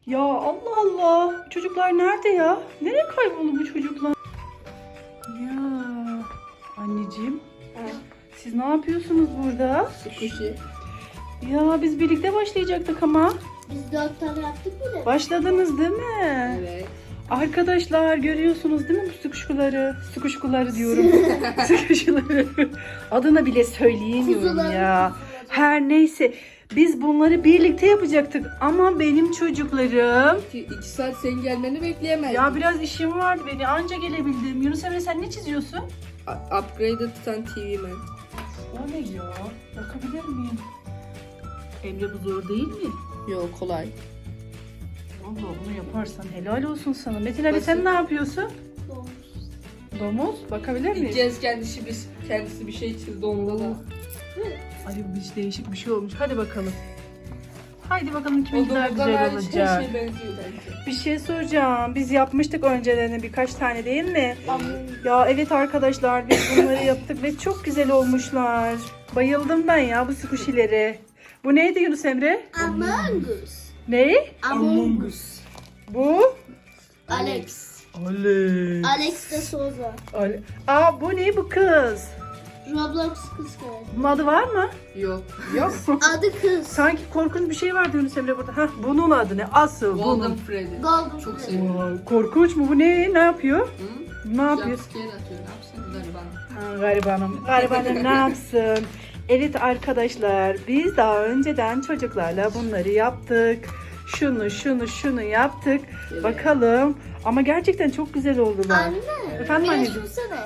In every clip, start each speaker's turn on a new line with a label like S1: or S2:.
S1: Ya Allah Allah. Çocuklar nerede ya? Nereye kayboldu bu çocuklar? Ya anneciğim. Siz ne yapıyorsunuz burada?
S2: Sıkışı.
S1: Ya biz birlikte başlayacaktık ama.
S3: Biz 4 tane yaptık bile.
S1: Başladınız değil mi?
S2: Evet.
S1: Arkadaşlar görüyorsunuz değil mi bu sıkışkuları? Sıkışkuları diyorum. Sıkışkuları. Adını bile söyleyemiyorum
S3: Kuzuları,
S1: ya.
S3: kuzuları.
S1: Her neyse. Biz bunları birlikte yapacaktık. Ama benim çocuklarım...
S2: 2 saat senin gelmeni bekleyemezdim.
S1: Ya biraz işim vardı beni. Anca gelebildim. Yunus Emre sen ne çiziyorsun?
S2: Upgrade'ı tutan TV Man.
S1: O ne ya? Bakabilir miyim? Emre bu zor değil mi?
S2: Yok kolay.
S1: Allah bunu yaparsan helal olsun sana. Metin Ali
S2: Basit.
S1: sen ne yapıyorsun?
S3: Doğmuş.
S1: Domuz bakabilir miyiz?
S2: İlkez kendisi bir şey çizdi onda da.
S1: Ay bu hiç değişik bir şey olmuş. Hadi bakalım. Haydi bakalım kimin
S2: O
S1: daha
S2: domuzdan
S1: güzel
S2: hariç
S1: olacak.
S2: her şey benziyor bence.
S1: Bir şey soracağım. Biz yapmıştık önceden birkaç tane değil mi?
S3: Ama
S1: Ya evet arkadaşlar biz bunları yaptık ve çok güzel olmuşlar. Bayıldım ben ya bu squishy'lere. Bu neydi Yunus Emre?
S3: Among Us.
S1: Ne?
S3: Among Us.
S1: Bu?
S3: Alex.
S1: Alex.
S3: Alex de Souza.
S1: Aa bu ne bu kız?
S3: Roblox kız kardeşi.
S1: Bunun adı var mı?
S2: Yok.
S1: Yok.
S3: Adı kız.
S1: Sanki korkunç bir şey vardı Yunus Emre burada. Hah bunun adı ne? Asıl
S2: Golden
S1: bunun.
S2: Freddy.
S3: Golden
S2: Çok
S3: Freddy.
S2: seviyorum.
S1: Vay, korkunç mu bu ne? Ne yapıyor?
S2: Hı?
S1: Ne yapıyor?
S2: Jumpscare atıyor. Ne yapsın gariban?
S1: Ha, garibanım. Garibanım ne yapsın? Evet arkadaşlar biz daha önceden çocuklarla bunları yaptık. Şunu yaptık.
S2: Evet.
S1: Bakalım. Ama gerçekten çok güzel oldular.
S3: Anne.
S1: Efendim
S3: Bir de
S1: anneciğim?
S3: düşünsene.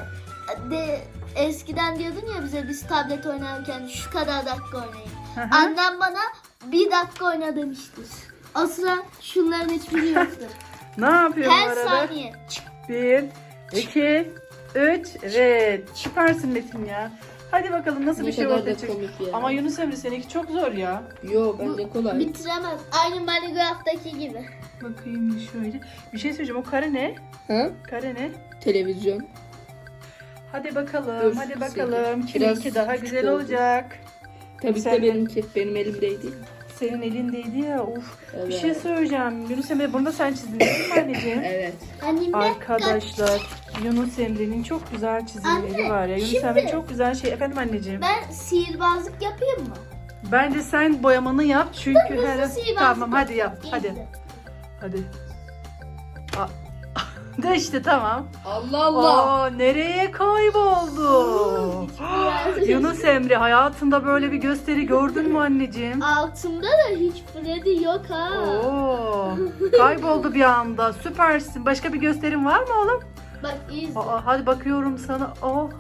S3: Eskiden diyordun ya bize biz tablet oynarken şu kadar dakika oynayın.
S1: Hı hı.
S3: Annem bana 1 dakika oyna demiştir. O sıra şunların hiçbiri yoktu.
S1: Ne yapıyor bu
S3: Her
S1: arada?
S3: saniye.
S1: 1, 2, 3. Evet. Süpersin Metin ya. Hadi bakalım nasıl bir
S2: Ne
S1: şey
S2: kadar
S1: ortaya
S2: da
S1: çıkacak.
S2: komik ya.
S1: Ama Yunus Emre seninki çok zor ya.
S2: Yok bence kolay.
S3: Bitiremez. Aynı Minecraft'taki gibi.
S1: Bakayım şöyle. Bir şey söyleyeceğim. O kare ne?
S2: Ha?
S1: Kare ne?
S2: Televizyon.
S1: Hadi bakalım.
S2: Dur,
S1: hadi
S2: kısayım.
S1: bakalım.
S2: Biraz
S1: Kiminki daha
S2: küçük
S1: güzel
S2: oldu.
S1: olacak.
S2: Tabii
S1: Sen-
S2: de benimki. Benim elimdeydi.
S1: Senin elindeydi ya. Uf.
S2: Evet.
S1: Bir şey söyleyeceğim. Yunus Emre bunu da sen çizdin değil mi anneciğim?
S2: Evet.
S3: Annemle
S1: Arkadaşlar Yunus Emre'nin çok güzel çizimleri
S3: Anne,
S1: var ya. Yunus
S3: şimdi-
S1: Emre çok güzel şey. Efendim anneciğim.
S3: ben sihirbazlık yapayım mı?
S1: Bence sen boyamanı yap çünkü
S3: Hızlı
S1: her
S3: sihirbazlık
S1: tamam hadi yap.
S3: İyi
S1: Hadi.
S3: de.
S1: Hadi. De işte tamam.
S2: Allah Allah.
S1: Aa, nereye kayboldu? Yunus Emre hayatında böyle bir gösteri gördün mü anneciğim?
S3: Altımda da hiç Freddy yok ha.
S1: Oo, kayboldu bir anda. Süpersin. Başka bir gösterin var mı oğlum?
S3: Bak iyi izle.
S1: Aa, hadi bakıyorum sana. Oh.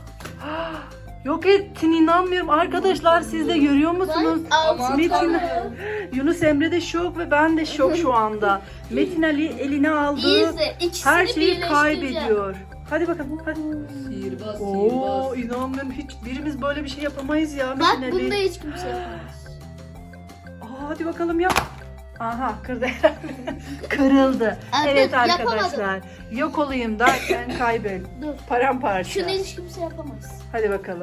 S1: Yok ettin inanmıyorum. Arkadaşlar siz de görüyor musunuz?
S3: Bak altımda.
S1: Metin,
S3: da.
S1: Yunus Emre de şok ve ben de şok şu anda. Metin Ali eline
S3: İyi
S1: aldığı
S3: izle. İkisini
S1: her şeyi
S3: birleştireceğim.
S1: kaybediyor. Hadi bakalım. Hadi.
S2: Sihirbaz,
S1: Oo,
S2: sihirbaz.
S1: inanmıyorum. Hiç birimiz böyle bir şey yapamayız ya
S3: Bak
S1: Metin Ali.
S3: bunda hiç kimse yapamaz.
S1: Aa, hadi bakalım yap. Aha kırdı. Kırıldı.
S3: Aa,
S1: Evet
S3: dur,
S1: arkadaşlar. Yok olayım derken kaybet.
S3: Dur.
S1: Paramparça.
S3: Şunu hiç kimse yapamaz.
S1: Hadi bakalım.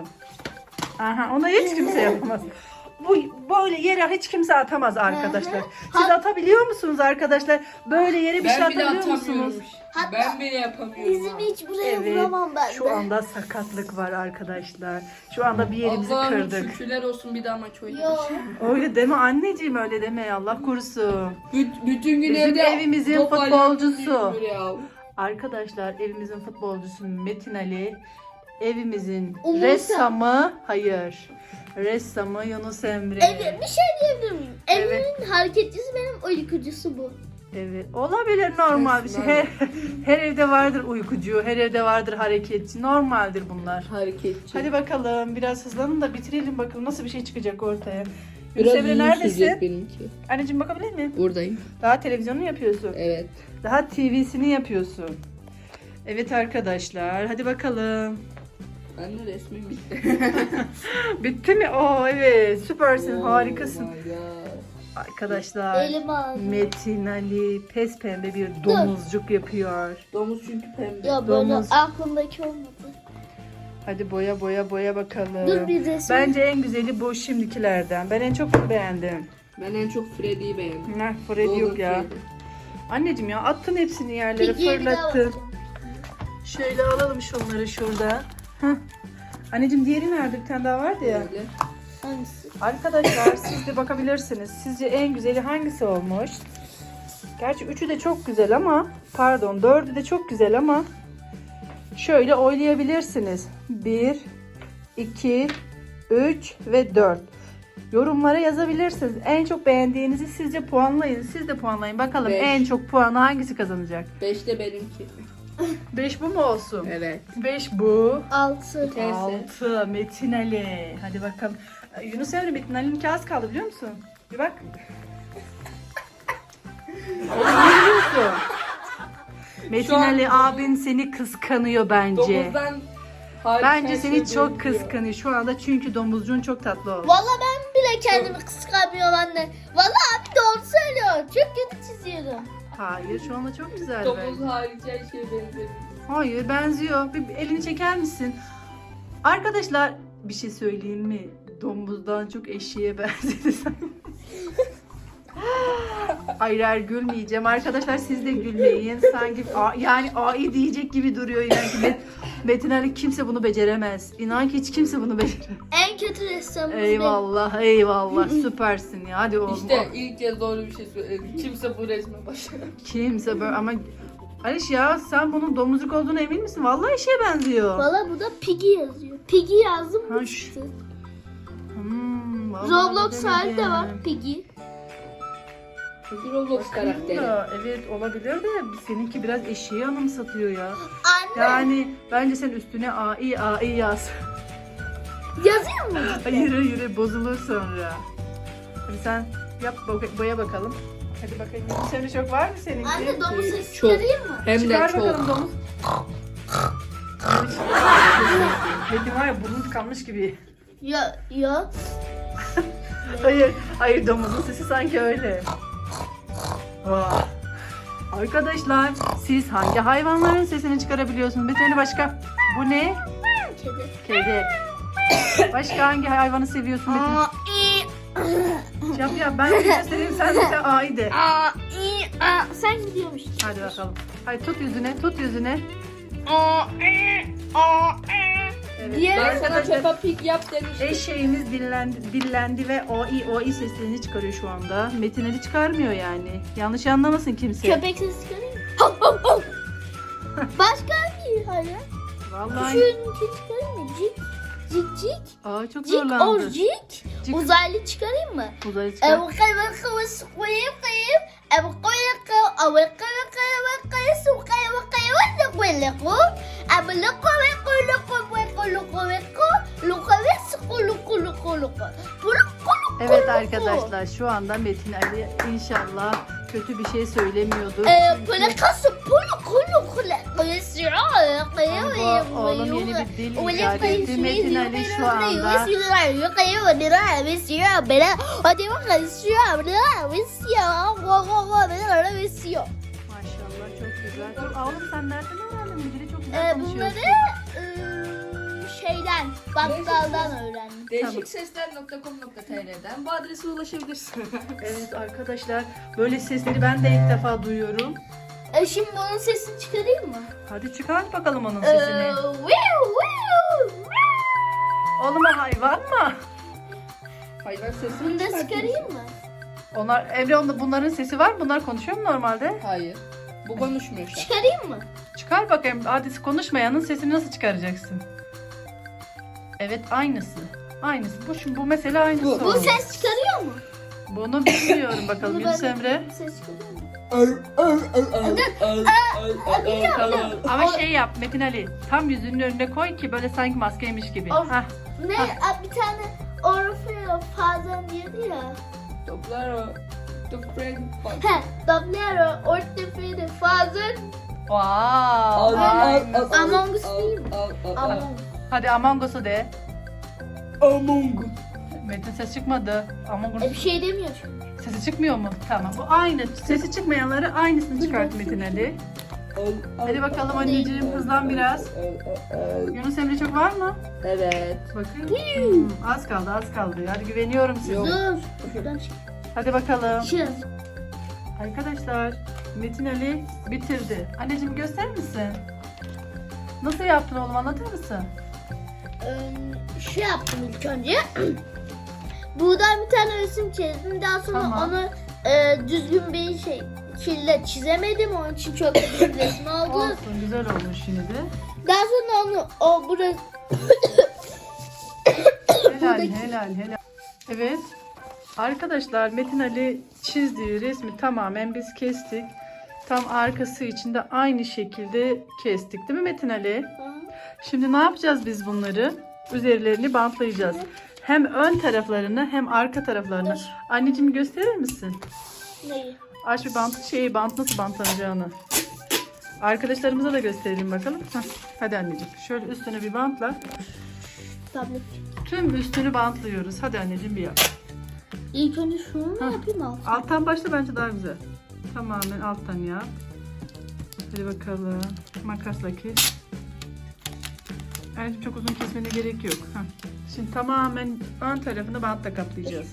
S1: Aha onu hiç kimse yapamaz. Bu böyle yere hiç kimse atamaz arkadaşlar. Siz atabiliyor musunuz arkadaşlar? Böyle yere bir şey
S2: Ben bile
S1: atabiliyor
S2: atamıyorum.
S1: musunuz?
S3: Hatta
S2: Ben bile yapamıyorum.
S3: Bizim hiç buraya
S1: Evet.
S3: vuramam ben
S1: Şu
S3: de.
S1: anda sakatlık var arkadaşlar. Şu anda bir yerimizi
S2: Allah'ım
S1: kırdık.
S2: şükürler olsun bir daha maç
S3: Yok.
S2: oynamış.
S1: Öyle deme anneciğim öyle deme Allah korusun.
S2: Bütün gün
S1: Bizim
S2: evde
S1: evimizin
S2: top
S1: futbolcusu.
S2: oynuyoruz ya.
S1: Arkadaşlar evimizin futbolcusu Metin Ali. Evimizin
S3: Umursa.
S1: ressamı hayır. Ressamı Yunus Emre.
S3: Evet, bir şey diyebilir miyim?
S1: Evet.
S3: Evimin hareketçisi benim uykucusu bu.
S1: Evet. Olabilir normal bir şey. Her evde vardır uykucu, her evde vardır hareketçi. Normaldir bunlar.
S2: Hareketçi.
S1: Hadi bakalım biraz hızlanın da bitirelim bakalım nasıl bir şey çıkacak ortaya.
S2: Biraz
S1: Yunus Emre
S2: uzun sürecek
S1: neredesin?
S2: benimki.
S1: Anneciğim bakabilir miyim?
S2: Buradayım.
S1: Daha televizyonu yapıyorsun.
S2: Evet.
S1: Daha TV'sini yapıyorsun. Evet arkadaşlar hadi bakalım.
S2: Ben de resmim bitti.
S1: Bitti mi? Oo evet süpersin harikasın.
S2: Oh my God.
S1: Arkadaşlar
S3: Elim ağrıyor.
S1: Metin Ali pes pembe bir domuzcuk yapıyor.
S2: Domuz çünkü pembe.
S3: Ya böyle
S1: Domuz.
S3: aklımdaki olmadı.
S1: Hadi boya bakalım.
S3: Dur bir resim.
S1: Bence en güzeli bu şimdikilerden. Ben en çok bunu beğendim.
S2: Ben en çok Freddy'yi beğendim.
S1: Nah Freddy yok ya.
S2: Freddy.
S1: Anneciğim ya attın hepsini yerlere,
S3: Piggy'ye bir daha
S1: fırlattın.
S3: bakacağım.
S1: Şöyle alalım şunları şurada. Heh. Anneciğim diğeri nerede? Bir tane daha vardı ya.
S2: Böyle.
S3: Hangisi?
S1: Arkadaşlar siz de bakabilirsiniz. Sizce en güzeli hangisi olmuş? Gerçi üçü de çok güzel ama pardon dördü de çok güzel ama şöyle oylayabilirsiniz. 1, 2, 3 ve 4. Yorumlara yazabilirsiniz. En çok beğendiğinizi sizce puanlayın. Siz de puanlayın. Bakalım
S2: 5.
S1: en çok puanı hangisi kazanacak?
S2: 5 de benimki.
S1: 5 bu mu olsun?
S2: Evet.
S1: 5 bu.
S3: 6.
S2: Neyse.
S1: 6 Metin Ali. Hadi bakalım. Yunus Emre Metin Ali'ninki az kaldı biliyor musun? Bir bak. Oğlum ne biliyorsun? Metin
S2: Şu an-
S1: Ali abin seni kıskanıyor bence.
S2: Domuzdan hariç
S1: Bence
S2: her
S1: seni
S2: şey
S1: çok
S2: benziyor.
S1: kıskanıyor şu anda çünkü domuzcuğun çok tatlı oldu.
S3: Valla ben bile kendimi kıskanmıyorum anne. Valla abi doğru söylüyor. Çok kötü çiziyorum.
S1: Hayır şu anda çok güzel
S2: Domuz
S1: bence.
S2: hariç her şey benziyor.
S1: Hayır benziyor. Bir elini çeker misin? Arkadaşlar bir şey söyleyeyim mi? Domuzdan çok eşeğe benzedi sanki. Hayır hayır gülmeyeceğim. Arkadaşlar siz de gülmeyin. Sanki yani AI diyecek gibi duruyor. Yani Metin Ali kimse bunu beceremez. İnan ki hiç kimse bunu beceremez.
S3: En kötü ressamımız benim.
S1: Eyvallah eyvallah süpersin ya. Hadi oğlum.
S2: İşte ilk kez doğru bir şey söyledim. Kimse bu resme başlamıyor.
S1: Kimse böyle ama Aliş ya sen bunun domuzluk olduğuna emin misin? Vallahi eşeğe benziyor.
S3: Valla burada Piggy yazıyor. Piggy yazdım
S1: Ha,
S3: mı
S1: şu-
S3: çıktı.
S1: Vallahi
S3: Roblox hali de
S1: bilemedim.
S3: var Piggy.
S2: Peki Roblox
S1: Bakayım
S2: karakteri.
S1: da, evet olabilir de seninki biraz eşeği anımsatıyor ya.
S3: Anne
S1: Yani bence sen üstüne AI yaz.
S3: yazıyor mu?
S1: Hayır hayır bozulur sonra. Hadi sen yap boya bakalım. Hadi bakayım. Senin çok var mı seninki?
S3: Anne domuz sesi
S2: Çok.
S3: çıkarayım mı?
S2: Hem de
S1: Çıkar
S2: çok.
S1: bakalım domuz. Metin var ya burnu tıkanmış gibi.
S3: Ya.
S1: Hayır domuzun sesi sanki öyle. Vay. Arkadaşlar siz hangi hayvanların sesini çıkarabiliyorsunuz? Bir tane başka. Bu ne?
S3: Kedi.
S1: Kedi. Başka hangi hayvanı seviyorsun Metin?
S3: Aa, i,
S1: Yap ben de göstereyim sen A'yı de.
S3: aa, i, aa. Sen gidiyormuşsun.
S1: Hadi bakalım. Hadi tut yüzüne.
S3: Aa, i, aa, i.
S1: Evet.
S3: Diğer-
S2: Ben sana Peppa Pig yap demiştim.
S1: Eşeğimiz dillendi ve oi seslerini çıkarıyor şu anda. Metin Ali çıkarmıyor yani. Yanlış anlamasın kimse.
S3: Köpek sesi çıkarayım mı? Hav, hav, hav. Başka hangi hayvan?
S1: Vallahi.
S3: Şununkini çıkarayım mı? Cik. Cik cik.
S1: Aa çok
S3: Cik or
S1: zorlandı.
S3: cik.
S1: Cik.
S3: Uzaylı çıkarayım mı?
S1: Uzaya çıkar. Evet arkadaşlar şu anda Metin Ali inşallah kötü bir şey söylemiyordur. Oğlum yeni bir dil icat etti. Metin Ali şu anda. Maşallah çok güzel. Dur oğlum sen nereden öğrendin? Bu dili çok güzel konuşuyorsun.
S3: Bunları şeyden, bakkaldan öğrendim.
S2: Değişiksesler.com.tr'den bu adrese ulaşabilirsin.
S1: Evet arkadaşlar böyle sesleri ben de ilk defa duyuyorum.
S3: Şimdi bunun sesini çıkarayım mı?
S1: Hadi çıkart bakalım onun sesini. Oğlum o hayvan mı?
S2: Hayvan sesi
S3: Bunu da çıkarayım mı?
S1: Onlar bunların sesi var mı? Bunlar konuşuyor mu normalde?
S2: Hayır. Bu konuşmuyor şu an.
S3: Çıkarayım mı?
S1: Çıkar bakayım. Hadi konuşmayanın sesini nasıl çıkaracaksın? Evet aynısı. Aynısı. Bu mesela aynısı.
S2: Bu
S3: Bu
S1: olmuş.
S3: ses çıkarıyor mu?
S1: Bunu bilmiyorum bakalım
S3: Bunu
S1: Yunus
S3: ben-
S1: Emre.
S3: Bu ses çıkarıyor mu?
S1: Tamam. Ama şey yap Metin Ali. Tam yüzünün önüne koy ki böyle sanki maskeymiş gibi.
S3: Of.
S1: Hah.
S3: Ne? Bir tane Orfeo Fazan diyordu ya.
S2: Toplar o. Toprak.
S3: Doblero Orfeo Fazan.
S1: Wow.
S3: Among Us değil mi? Among Us.
S1: Hadi Among Us'u de.
S2: Among Us.
S1: Metin ses çıkmadı. Among Us.
S3: Bir şey demiyor çünkü.
S1: Sesi çıkmıyor mu? Tamam. Bu aynı. Sesi çıkmayanları aynısını çıkart Metin Ali. Hadi bakalım anneciğim hızlan biraz. Yunus Emre çok var mı?
S2: Evet.
S1: Bakın. Az kaldı az kaldı. Hadi güveniyorum size.
S2: Yok.
S3: Dur. Şuradan çık.
S1: Hadi bakalım.
S3: Çık.
S1: Arkadaşlar Metin Ali bitirdi. Anneciğim gösterir misin? Nasıl yaptın oğlum, anlatır mısın?
S3: Şu yaptım ilk önce. Buradan bir tane resim çizdim. Daha sonra
S1: Tamam.
S3: onu düzgün bir şekilde çizemedim. Onun için çok güzel bir resim oldu.
S1: Olsun, güzel olmuş yine de.
S3: Daha sonra onu burası
S1: Helal. Evet. Arkadaşlar Metin Ali çizdiği resmi tamamen biz kestik. Tam arkası için de aynı şekilde kestik, değil mi Metin Ali? Şimdi ne yapacağız biz bunları? Üzerlerini bantlayacağız. Hem ön taraflarını hem arka taraflarını. Anneciğim gösterir misin?
S3: neyi?
S1: Aç bir bant nasıl bantlanacağını. Arkadaşlarımıza da gösterelim bakalım. Hadi anneciğim şöyle üstüne bir bantla.
S3: Tablet.
S1: Tüm üstünü bantlıyoruz. Hadi anneciğim bir yap.
S3: İlk önce şunu mu yapayım altı?
S1: Alttan başla, bence daha güzel. Tamamen alttan yap. Hadi bakalım. Makasla kes. Anneciğim çok uzun kesmene gerek yok. Şimdi tamamen ön tarafını bantla kaplayacağız.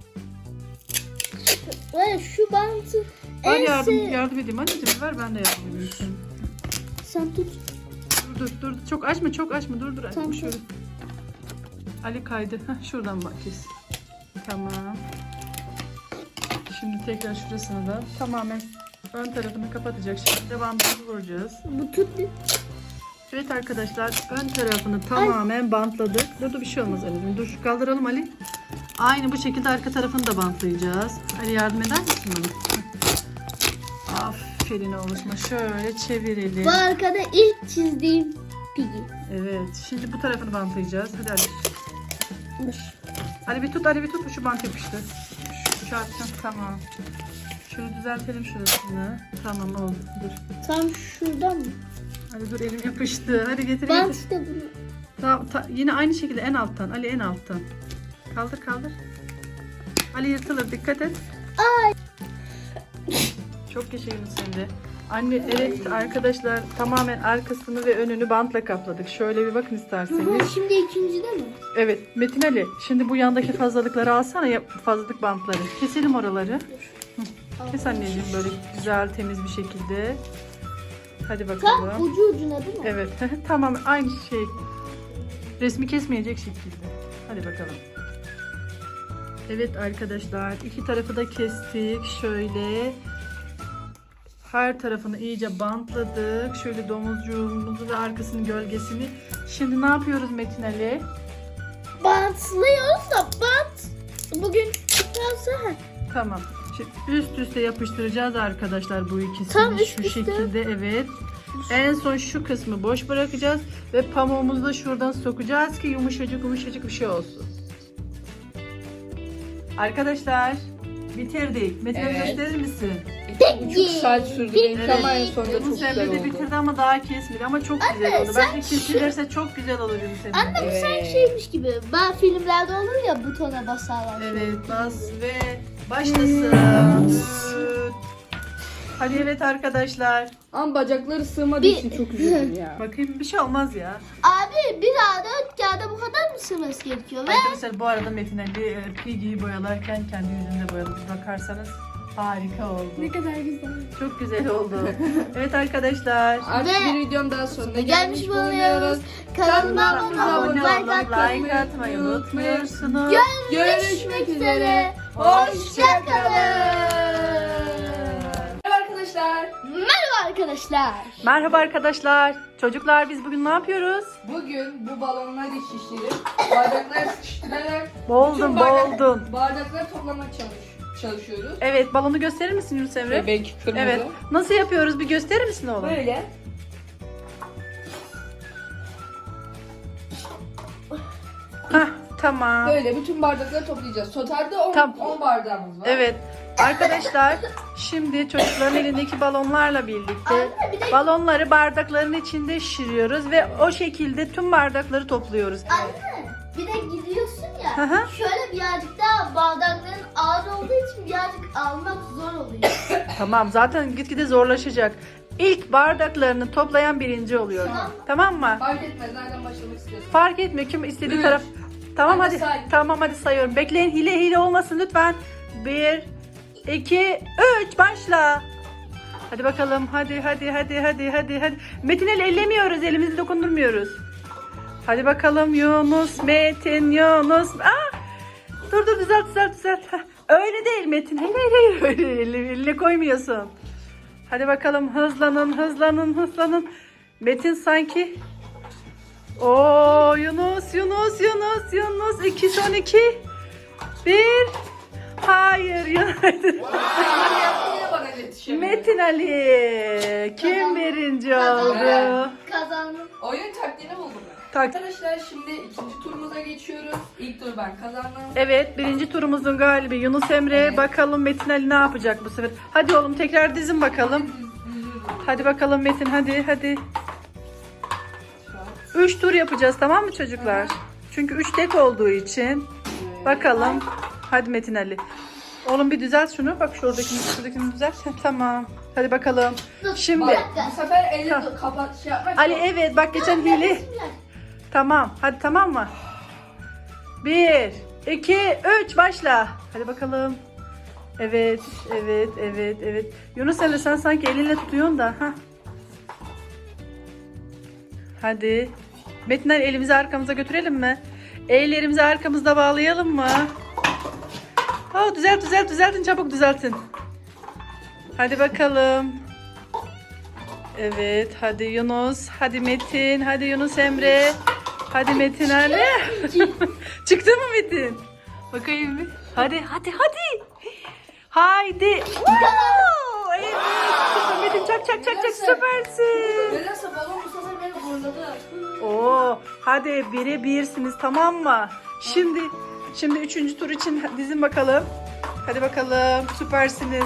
S3: Ve şu bantı
S1: Ben
S3: en
S1: yardım edeyim anneciğim, ver ben de yardım edeyim.
S3: Sen tut.
S1: Dur. Çok açma. Dur anneciğim
S3: Tamam.
S1: şöyle. Ali kaydı. Şuradan bak kes. Tamam. Şimdi tekrar şurasını da tamamen ön tarafını kapatacak şekilde bandımızı vuracağız.
S3: Bu tut bir.
S1: Evet arkadaşlar, ön tarafını tamamen bantladık. Dur bir şey olmaz anneciğim. Dur şu kaldıralım Ali. Aynı bu şekilde arka tarafını da bantlayacağız. Ali yardım eder misin bana? Aferin oğluşma. Şöyle çevirelim.
S3: Bu arkada ilk çizdiğim Piggy.
S1: Evet. Şimdi bu tarafını bantlayacağız. Hadi Ali.
S3: Dur.
S1: Ali bir tut. Şu bant yapıştı. Şu çarptın. Tamam. Şunu düzeltelim şurasını. Tamam oldu. Dur.
S3: Tam şuradan mı?
S1: Hadi dur, elim yapıştı. Hadi getir.
S3: Bant işte bunu.
S1: Tamam, yine aynı şekilde en alttan. Ali en alttan. Kaldır. Ali yırtılır, dikkat et.
S3: Ay.
S1: Çok yaşayın sen de. Anne evet arkadaşlar, tamamen arkasını ve önünü bantla kapladık. Şöyle bir bakın isterseniz.
S3: Şimdi ikincide mi?
S1: Evet Metin Ali, şimdi bu yandaki fazlalıkları alsana, fazlalık bantları. Keselim oraları. Hı, kes anneciğim böyle güzel temiz bir şekilde. Hadi bakalım.
S3: Tam ucu ucuna değil mi?
S1: Evet tamamen aynı şey. Resmi kesmeyecek şekilde. Hadi bakalım. Evet arkadaşlar, iki tarafı da kestik. Şöyle her tarafını iyice bantladık. Şöyle domuzcuğumuzu ve arkasının gölgesini. Şimdi ne yapıyoruz Metin Ali?
S3: Bantlıyoruz da bant. Bugün çıkarsa
S1: Tamam. Şimdi üst üste yapıştıracağız arkadaşlar bu ikisini.
S3: Tam üst
S1: şu
S3: üste.
S1: şekilde, evet. En son şu kısmı boş bırakacağız ve pamuğumuzu da şuradan sokacağız ki yumuşacık bir şey olsun. Arkadaşlar bitirdik. Metin Ali
S2: Evet.
S1: gösterir misin?
S2: 2,5 saat sürdü benim
S1: Evet.
S2: ama en sonunda çok
S1: Yunus
S2: güzel
S1: Emre de
S2: oldu.
S1: bitirdi ama daha kesmedi ama çok güzel oldu. Bence kesilirse çok güzel olur Yunus Emre.
S3: Anne bu sanki
S2: Evet.
S3: şeymiş gibi. Ben filmlerde olur ya butona basarlar.
S1: Evet, bas ve başlasın. Hadi evet arkadaşlar.
S2: Ama bacakları sığmadığı
S3: Bir-
S2: için çok üzüldüm ya.
S1: Bakayım, bir şey olmaz ya.
S3: Abi bir A4 kağıda bu kadar mı sığması gerekiyor? Ve
S1: Arkadaşlar bu arada Metin Ali Piggy'yi boyalarken kendi yüzünde boyadı. Bir bakarsanız harika oldu.
S3: kadar güzel.
S1: Çok güzel oldu. Evet arkadaşlar.
S2: Artık
S3: Ve-
S2: bir videonun daha sonuna
S3: Gelmiş
S2: gelmiş
S3: bulunuyoruz.
S2: bulunuyoruz.
S3: Kanalıma
S2: Kanalımıza
S3: abone olun, like atmayı.
S1: like atmayı unutmuyorsunuz.
S2: Görüşmek üzere.
S3: Hoşçakalın.
S2: Merhaba arkadaşlar.
S3: Merhaba arkadaşlar.
S1: Merhaba arkadaşlar. Çocuklar biz bugün ne yapıyoruz?
S2: Bugün bu balonları şişirip bardakları sıkıştırarak
S1: Boldun.
S2: bardakları toplamak çalışıyoruz.
S1: Evet, balonu gösterir misin Yunus Emre?
S2: Bebek kırmızı.
S1: Evet. Nasıl yapıyoruz? Bir gösterir misin oğlum?
S2: Böyle.
S1: Hah, tamam.
S2: Böyle bütün bardakları toplayacağız. Totalde 10
S1: Tamam.
S2: bardağımız var.
S1: Evet. Arkadaşlar şimdi çocukların elindeki balonlarla birlikte balonları bardakların içinde şişiriyoruz ve o şekilde tüm bardakları topluyoruz.
S3: Anne bir de gidiyorsun
S1: Hı
S3: ya.
S1: hı.
S3: Şöyle birazcık daha bardakların ağır olduğu için birazcık almak zor oluyor.
S1: Tamam, zaten gitgide zorlaşacak. İlk bardaklarını toplayan birinci oluyor. Tamam mı?
S2: Fark etmez nereden başlamak istiyorsun.
S1: Fark etmiyor kim istediği
S2: Üç.
S1: taraf. Tamam
S2: Hadi
S1: hadi.
S2: say.
S1: Tamam hadi sayıyorum. Bekleyin, hile olmasın lütfen. 1 2 3 başla. Hadi bakalım. Hadi. Metin el ellemiyoruz. Elimizi dokundurmuyoruz. Hadi bakalım Yunus, Metin, Yunus. Dur düzelt. Heh, öyle değil Metin. Hayır. Öyle eline koymuyorsun. Hadi bakalım hızlanın. Metin sanki. Oo Yunus. 2 son 2. 1. Hayır Yunus.
S2: Yine bana yetişemiyor.
S1: Metin Ali. Kim birinci oldu?
S3: Kazandım.
S2: Oyun taktiğini buldum ben. Arkadaşlar şimdi ikinci turumuza geçiyoruz. İlk tur ben kazandım.
S1: Evet, birinci turumuzun galibi Yunus Emre.
S2: Evet.
S1: Bakalım Metin Ali ne yapacak bu sefer. Hadi oğlum tekrar dizin bakalım. Hadi bakalım Metin hadi. 3 tur yapacağız tamam mı çocuklar?
S2: Hı hı.
S1: Çünkü 3 tek olduğu için. Bakalım. Hadi Metin Ali. Oğlum bir düzelt şunu. Bak şuradakini düzelt. Tamam. Hadi bakalım. Şimdi.
S3: Bir
S2: Bu
S3: dakika.
S2: sefer eli kapat şey yapmak.
S1: Ali evet bak geçen hile. Tamam. Hadi tamam mı? 1, 2, 3 başla. Hadi bakalım. Evet. Yunus Emre sen sanki elinle tutuyorsun da. Hadi. Metin Ali elimizi arkamıza götürelim mi? Ellerimizi arkamızda bağlayalım mı? Düzeltin çabuk düzeltin. Hadi bakalım. Evet hadi Yunus. Hadi Metin. Hadi Yunus Emre. Hadi Metin Ali. Çıktı mı Metin? Bakayım bir. Hadi. Haydi. Oo, evet. Metin çak süpersin.
S2: Nedense balon bu sefer beni zorladı.
S1: Oo, hadi 1'e 1'siniz tamam mı? Şimdi 3. tur için dizin bakalım. Hadi bakalım süpersiniz.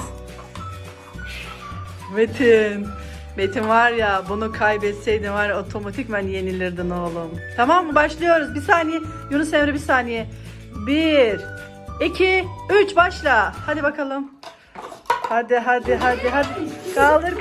S1: Metin var ya bunu kaybetseydin var ya otomatikman yenilirdin oğlum. Tamam mı? Başlıyoruz. Bir saniye. Yunus Emre bir saniye. 1, 2, 3 başla. Hadi bakalım. Hadi. Kaldır.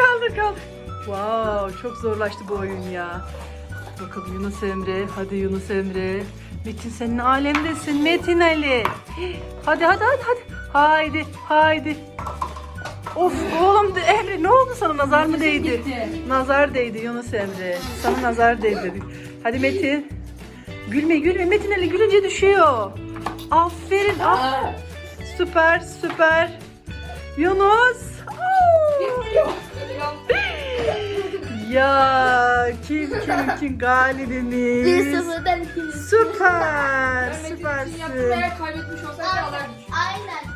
S1: Wow, çok zorlaştı bu oyun ya. Bakalım Yunus Emre. Hadi Yunus Emre. Metin senin alemdesin Metin Ali. Hadi. Haydi. Of oğlum Emre ne oldu sana nazar mı değdi?
S2: Gitti.
S1: Nazar değdi Yunus Emre. Sana nazar değdi. Hadi Metin. Gülme Metin Ali gülünce düşüyor. Aferin. Süper. Yunus. Ya kim galibimiz?
S3: 1-0'dan 2.
S1: Süper.
S2: Ben Metin için yaptım
S1: Süpersin.
S2: eğer kaybetmiş olsaydı alardım.
S3: Aynen.